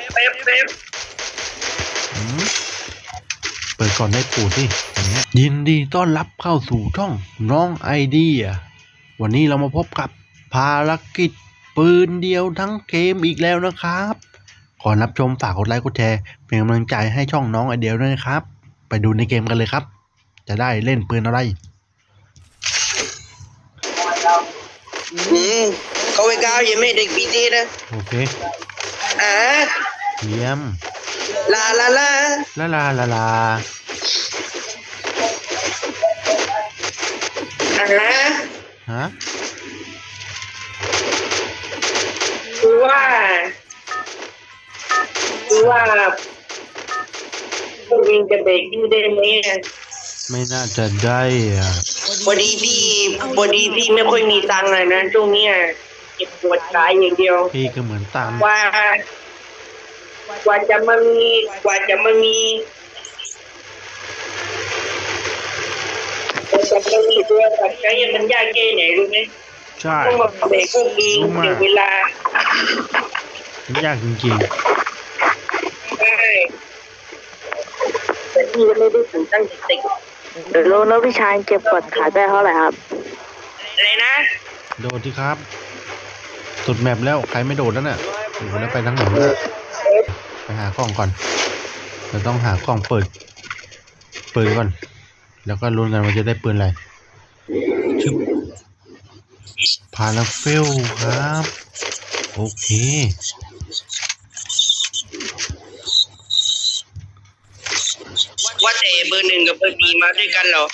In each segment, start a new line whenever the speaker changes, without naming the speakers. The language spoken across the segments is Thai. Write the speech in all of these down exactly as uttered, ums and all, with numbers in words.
เป๊ปเป๊ป
เปิดก่อนได้ปูดดิอย่างเงี้ยยินดีต้อนรับเข้าสู่ช่องน้องไอเดียวันนี้เรามาพบกับภารกิจปืนเดียวทั้งเกมอีกแล้วนะครับก่อนรับชมฝากกดไลค์กดแชร์เป็นกำลังใจให้ช่องน้องไอเดียด้วยนะครับไปดูในเกมกันเลยครับจะได้เล่นปืนอะไร
อืมเขาไปก้าวยังไม่เด็กปีนี้นะ
โอเค
อ่า
เยี่ยม
ลาลาลา
ลาลาลาลา
อ่า
ฮะ
คือว่าคือว่าพวกเองจะเบรกพี่ได้ไหม
ไม่น่าจะได้อ่ะ
พอดีพี่พอดีพี่ไม่ค่อยมีตังค์เลยนะช่วงนี้เก็บปวดกายอย่างเดียว
พี่ก็เหมือนตาม
ว่ากว่าจะมามีกว่าจะมามีกว่าจะมามีตัวตัดใจมันยากแค่ไหนรู้ไหม
ใช่
ต้องมาเบรกพวกเองเสียเวลา
มันยากจริง
ๆใช่แต่พี่ก็ไม่ได้ถึงตั้งเด็ก
เดี๋ยวรู้นะพี่ชายเก็บกดขายได้เท่าไหร่ครับ
อะไรนะ
โดดที่ครับสุดแมปแล้วใครไม่โดดแล้วน่ะอยู่แล้วไปทั้งหมดแล้วไปหากล้องก่อนเราต้องหากล้องเปิดเปิดก่อนแล้วก็ลุ้นกันว่าจะได้ปืนอะไรชึบพาราเฟลครับโอเค
ว่าแต่เบอร์หนึ่งกับเบอร์สี่มาด้วยกันเหรอ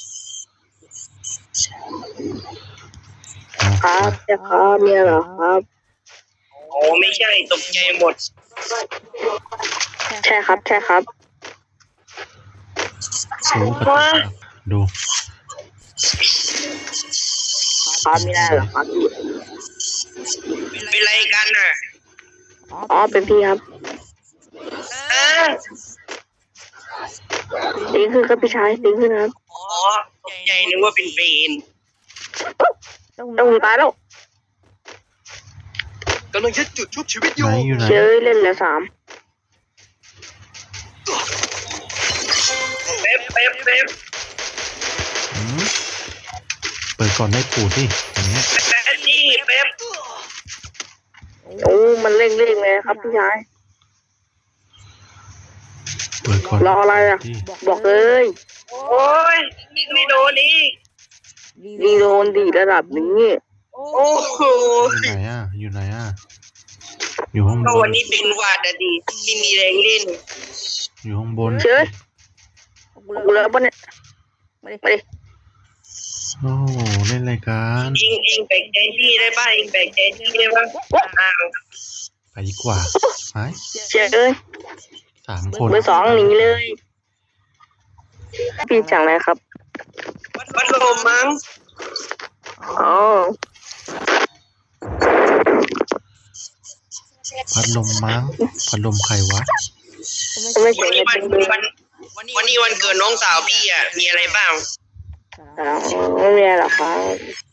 ครับจะครับเนี่ยเหรอครับ
โอ้ไม่ใช่ตกใจหมด
ใช่ครับใช่ครับ
ดู
ครับไม่ได้เหรอครับ
เป็นไรกันน่ะ
อ๋อเป็นพี่ครับดิ้งขึ้นครับพี่ชายดิ้งขึ้นครับ
อ๋อตกใจนึกว่าเป็นเฟน
ต้องตายแล้ว
กำลังจะจุดชุบชีวิตอยู่
เจอเล่นแล้วสาม
เป๊ปเป๊ปเป๊ป
เปิดก่อนได้ปูดดิอย่างเงี้ย
แป๊ปนี่เป๊ป
โอ้มันเร่งเร่งเลยครับพี่ชาย
เปิดก่อน
รออะไรอ่ะบอกเลย
โอ้ยยิงไม่โดนนี่
ดีโดนดีระดับนี้
โอ้โห
อยู่ไหนอ่ะอยู่ไหนอ่ะอยู่ห้องบน
วันนี้เป็นวาดอะดีที่มีแรงเล่น
อยู่ห้องบน
เชิญกูเลิกบนเนี่ยมาดิมาดิ
โอ้เล่นรายการ
เองเองแบกใจพี่ได้ป่ะเองแบกใจพี่ได้ป่ะอ้าว
ไปดีกว่าหาย
เชิญเลย
สามคน
เบอร์สองหนีเลยพี่จังเลยครับ
พัดลมมั้ง
อ๋อ
พัดลมมั้งพัดลมใครวะ
วันนี้วันวันวันนี้วันเกิดน้องสาวพี่อ่ะมีอะไรบ้าง
ไม่มีอะไรหรอกครับ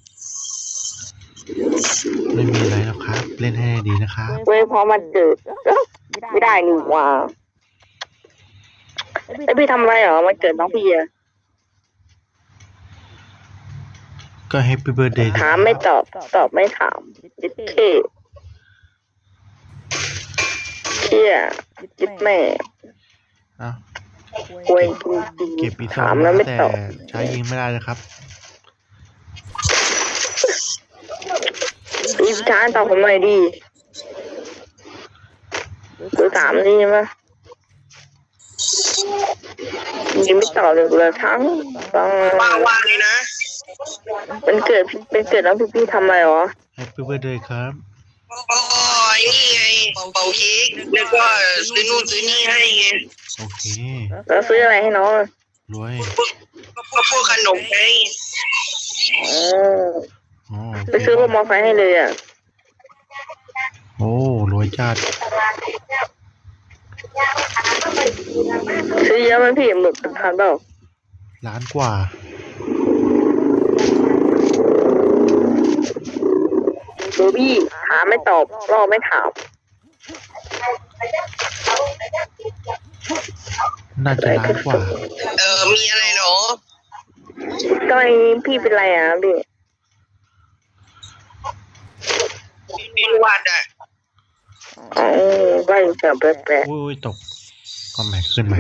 ไม่มีอะไรหรอกครับเล่นให้ดีนะครับ
เว้ยพอมันเกิดไม่ได้นี่ว่าไอพี่ทำอะไรเหรอมันเกิดน้องพี่อ่ะ
ก็แฮปปี้เบิร์ธเดย์
ถามไม่ตอบตอบไม่ถามจิตเท่เที่ยจิตแม่
อ้าว
ควยจริง
เก็บอีกส
า
อง
มแล้วไม่ตอบ
ใช้ยิงไม่ได้เลยครับ
พี่ช้าตอบผมหน่อยดีคือถามนี่ใช่ไหมยิงไม่ตอบเลยเลยทั้งต้อง
ว่างๆเลยนะ
เป็นเกิดเป็นเกิดแล้วพี่พี่ทำอะไรหรอ
แฮปปี้เบิร์ธเดย์ครับ
อ๋อนี่ไงเป่าเค้กแล้วก็ซื้อนู่นซื้อนี่ให้ไง
โอเค
แล้วซื้ออะไรให้น้อง
รวย
ก็พวกขนมไง
อ๋อไปซื้อรถมอเตอร์ไซค์ให้เลยอ่ะ
โอ้รวยจัด
ซื้อเยอะไหมพี่หมึกเป็นพันเปล่า
ล้านกว่า
ดูพี่ถามไม่ตอบรอไม่ถาม
น่าจะล้านกว่า
เออมีอะไรเหรอ
ทำไมพี่เป็นไรอ่ะพี่
เป็นหวัดอ่ะ
อ๋อว่าอยู่แต่แปลก
อุ้ยตกก็แม็กขึ้นใหม่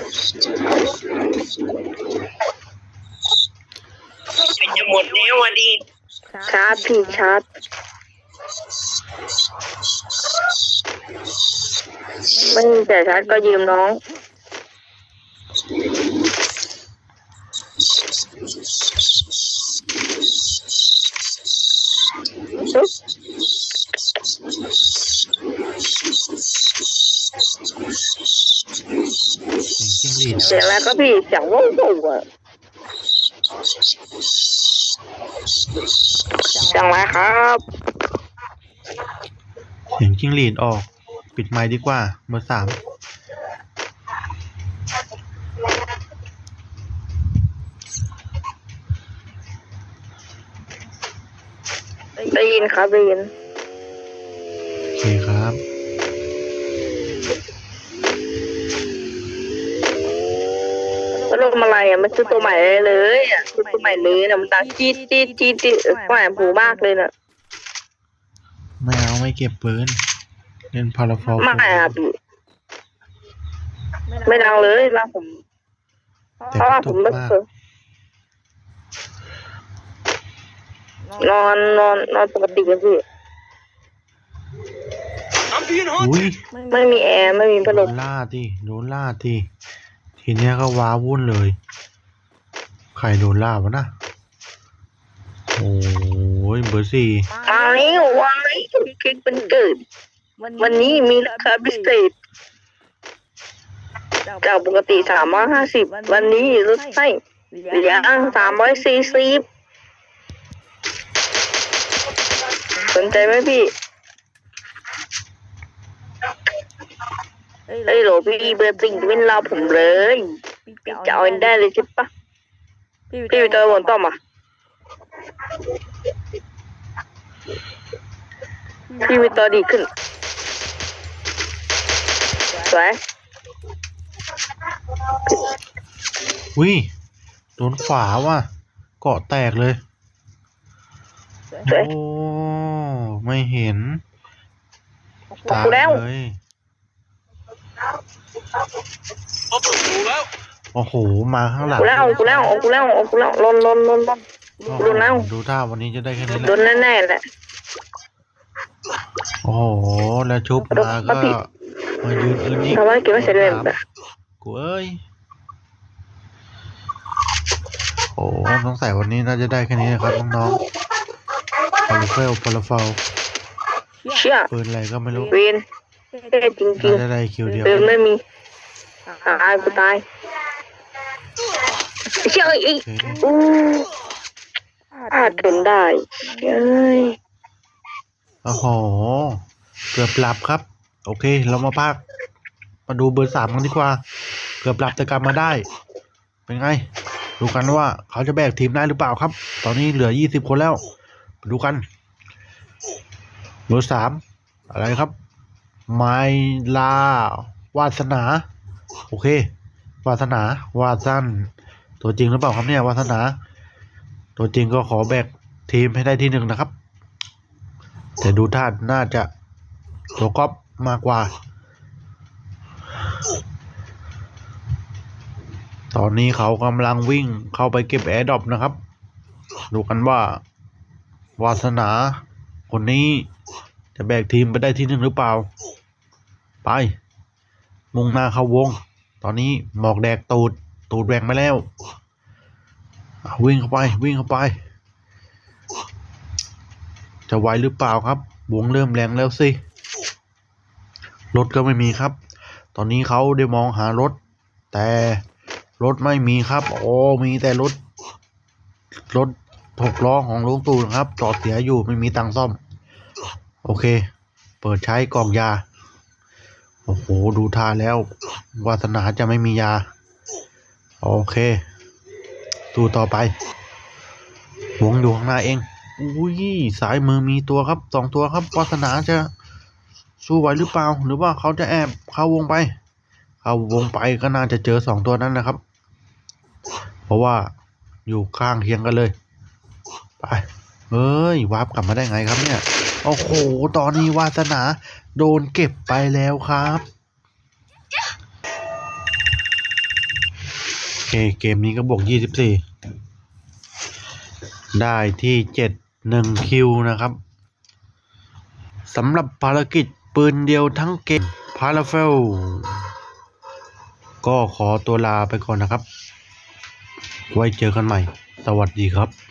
จะหมดแล้ววันนี้
ๆชาร์จพี่ชาร์จไม่มีแต่ชาร์จก็ยืมน้องอุ๊ย
เสียงจิ้งหรีด
เสียงอะไรก็พี่เสียงว่าวๆอ่ะเสียงอะไรครับ
เสียงจิ้งหรีดออก ปิดไมค์ดีกว่าเบอร์สาม
ได้ยินครับได้ยิน
โอเคครับ
ก็ลงอะไรอ่ะมันซื้อตัวใหม่เลยอ่ะซื้อตัวใหม่เลยนะมันดังจี๊ดจี๊ดจี๊ดจี๊ดแหวนหูมากเลยน่ะ
ไม่เอาไม่เก็บปืน เล่นพาราฟอล
ไม่อ่ะพี่ไม่ดังเลยแล้วผม
แต่
เพราะ
ก
ว่า
ระ
ผ
ตุ
ม
ก
ไม่
มาก
เคยนอนนอนนอนปกติกันพี่
อุ้ย
ไม่มีแอร์ไม่มีพัด
โด
ล
น
ม
ล่าที่โดนล่าที่ทีเนี้ยก็ว้าวุ่นเลย ใครโดนล่าวะนะโอ้ยเบอร์สี่
มาแล้ววันนี้เค้กเป็นเกิด วันนี้มีราคาพิเศษจากปกติสามร้อยห้าสิบวันนี้ลดให้เหลือสามร้อยสี่สิบสนใจไหมพี่เอ้ยโหลพี่เบอร์ติงเป็นเราผมเลยพี่จะเอาได้เลยใช่ปะพี่ไปเจอบนต้อมอ่ะพี่ไปต่อดีขึ้นสวย
อุ้ยโดนฝาว่ะเกาะแตกเลย
สวย
โอ้ไม่เห็น
ออกแล้ว
เลย โอ้โห มาข้างหลัง
กูแล้วกูแล้วกูแล้วกูแล้วลนลนลนลน
โอ้โห
โดนแล้ว
ดูท่าวันนี้จะได้แค่นี้แห
โด
ละ
นแน่ๆแหละ
โอ้โห แล้วชุบมาก็มายืนอื่นอีก
ทำไมเก็บไม่เสร็จเลยแบบ
กูเอ้ย โอ้สงสัยวันนี้น่าจะได้แค่นี้นะครับน้องๆพาราเฟลพาราเฟล
เชี่ย
ปืนอะไรก็ไม่รู้
เวนเท่จริง
น่าจะได้คิวเดียว
ๆเดินไม่มีตายกูตายเชี่ยอีก
โอเค
อู้พลาดจนได้เอ้ย
โอ้โห เกือบหลับครับ โอเค เรามาพัก มาดูเบอร์สามกันดีกว่า เกือบหลับแต่กลับมาได้ เป็นไง ดูกันว่าเขาจะแบกทีมได้หรือเปล่าครับ ตอนนี้เหลือยี่สิบคนแล้วมาดูกัน เบอร์สามอะไรครับ ไมลาวาสนา โอเค วาสนาวาสันตัวจริงหรือเปล่าครับเนี่ยวาสนา ตัวจริงก็ขอแบกทีมให้ได้ที่หนึ่งนะครับ แต่ดูท่าน่าจะตัวก๊อปมากกว่า ตอนนี้เขากำลังวิ่งเข้าไปเก็บแอร์ดรอปนะครับ ดูกันว่าวาสนาคนนี้จะแบกทีมไปได้ที่หนึ่งหรือเปล่า ไป มุ่งหน้าเข้าวง ตอนนี้หมอกแดกตูด ตูดแหว่งไปแล้วอ่ะวิ่งเข้าไป วิ่งเข้าไป จะไหวหรือเปล่าครับ วงเริ่มแรงแล้วสิ รถก็ไม่มีครับ ตอนนี้เขาได้มองหารถ แต่รถไม่มีครับ โอ้มีแต่รถ รถหกล้อของลุงตู่นะครับ จอดเสียอยู่ไม่มีตังค์ซ่อม โอเค เปิดใช้กล่องยา โอ้โห ดูท่าแล้ว วาสนาจะไม่มียา โอเคดูต่อไป วงอยู่ข้างหน้าเอง อุ้ย สายมือมีตัวครับ สองตัวครับ วาสนาจะสู้ไหวหรือเปล่า หรือว่าเขาจะแอบเข้าวงไป เข้าวงไปก็น่าจะเจอสองตัวนั้นนะครับ เพราะว่าอยู่ข้างเคียงกันเลย ไปเฮ้ยวาร์ปกลับมาได้ไงครับเนี่ย โอ้โห ตอนนี้วาสนาโดนเก็บไปแล้วครับโอเคเกมนี้ก็บวกยี่สิบสี่ได้ที่เจ็ด หนึ่งคิวนะครับสำหรับภารกิจปืนเดียวทั้งเกมพาราเฟลก็ขอตัวลาไปก่อนนะครับ ไว้เจอกันใหม่ สวัสดีครับ